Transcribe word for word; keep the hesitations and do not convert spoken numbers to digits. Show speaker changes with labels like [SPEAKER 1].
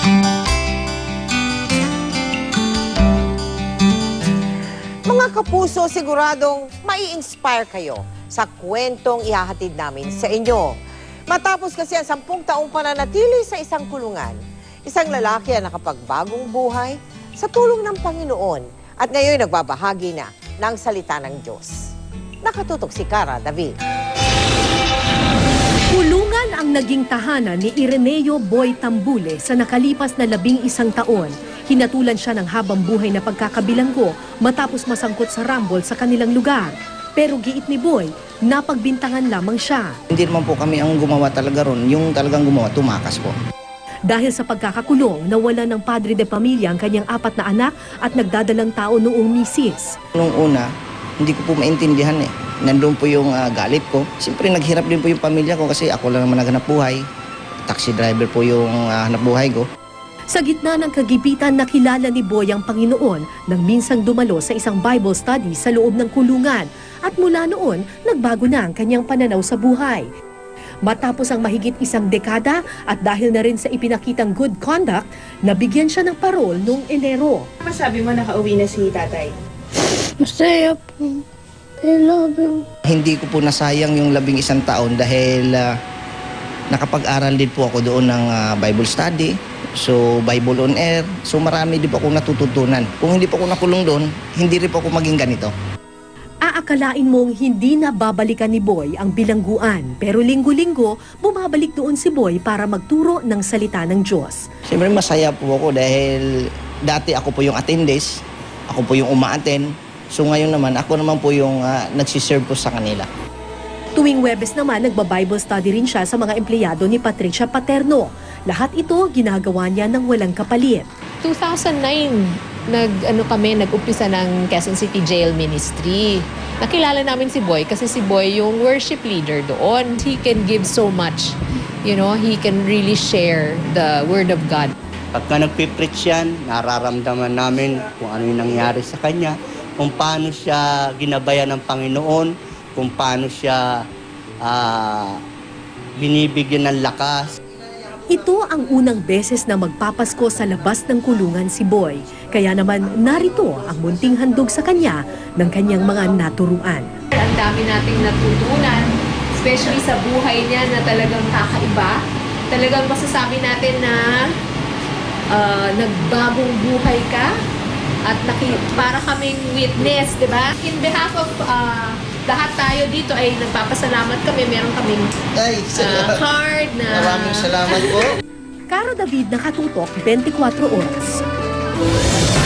[SPEAKER 1] Mga kapuso, siguradong mai-inspire kayo sa kwentong ihahatid namin sa inyo. Matapos kasi ang sampung taong pananatili sa isang kulungan, isang lalaki ang nakapagbagong buhay sa tulong ng Panginoon at ngayon nagbabahagi na ng salita ng Diyos. Nakatutok si Cara David.
[SPEAKER 2] Kulungan ang naging tahanan ni Ireneo Boy Tambule sa nakalipas na labing isang taon. Hinatulan siya ng habang buhay na pagkakabilanggo matapos masangkot sa rambol sa kanilang lugar. Pero giit ni Boy, napagbintangan lamang siya.
[SPEAKER 3] Hindi naman po kami ang gumawa talaga ron. Yung talagang gumawa, tumakas po.
[SPEAKER 2] Dahil sa pagkakakulong, nawala ng padre de pamilya ang kanyang apat na anak at nagdadalang tao noong misis.
[SPEAKER 3] Nung una, hindi ko po maintindihan eh. Nandun po yung uh, galit ko. Siyempre naghirap din po yung pamilya ko kasi ako lang naman naghanap buhay. Taxi driver po yung uh, hanap buhay ko.
[SPEAKER 2] Sa gitna ng kagipitan, nakilala ni Boy ang Panginoon nang minsang dumalo sa isang Bible study sa loob ng kulungan. At mula noon, nagbago na ang kanyang pananaw sa buhay. Matapos ang mahigit isang dekada at dahil na rin sa ipinakitang good conduct, nabigyan siya ng parol noong Enero.
[SPEAKER 4] Masabi mo nakauwi na si tatay?
[SPEAKER 5] Masaya po. I love him.
[SPEAKER 3] Hindi ko po nasayang yung labing isang taon dahil uh, nakapag-aral din po ako doon ng uh, Bible study. So, Bible on Air. So, marami din po akong natututunan. Kung hindi po ako nakulong doon, hindi rin po ako maging ganito.
[SPEAKER 2] Aakalain mong hindi na babalikan ni Boy ang bilangguan. Pero linggo-linggo, bumabalik doon si Boy para magturo ng salita ng Diyos.
[SPEAKER 3] Siyempre masaya po ako dahil dati ako po yung attendee, ako po yung uma-attend. So ngayon naman, ako naman po yung uh, nagsiserve po sa kanila.
[SPEAKER 2] Tuwing Huwebes naman, nagba-Bible study rin siya sa mga empleyado ni Patricia Paterno. Lahat ito ginagawa niya ng walang kapalit.
[SPEAKER 6] two thousand nine, nag, ano kami, nag-umpisa ng Quezon City Jail Ministry. Nakilala namin si Boy kasi si Boy yung worship leader doon. He can give so much. You know, he can really share the Word of God.
[SPEAKER 7] Pagka nagpipreach yan, nararamdaman namin kung ano yung nangyari sa kanya, kung paano siya ginabayan ng Panginoon, kung paano siya uh, binibigyan ng lakas.
[SPEAKER 2] Ito ang unang beses na magpapasko sa labas ng kulungan si Boy. Kaya naman narito ang munting handog sa kanya ng kanyang mga naturuan.
[SPEAKER 6] Ang dami nating natutunan, especially sa buhay niya na talagang kakaiba. Talagang masasabi natin na uh, nagbagong buhay ka at naki, para kaming witness, di ba? In behalf of uh, lahat tayo dito ay nagpapasalamat kami. Meron kaming
[SPEAKER 3] Ay,
[SPEAKER 6] uh, card na...
[SPEAKER 3] Maraming salamat po.
[SPEAKER 2] Cara David, nakatutok, twenty-four oras.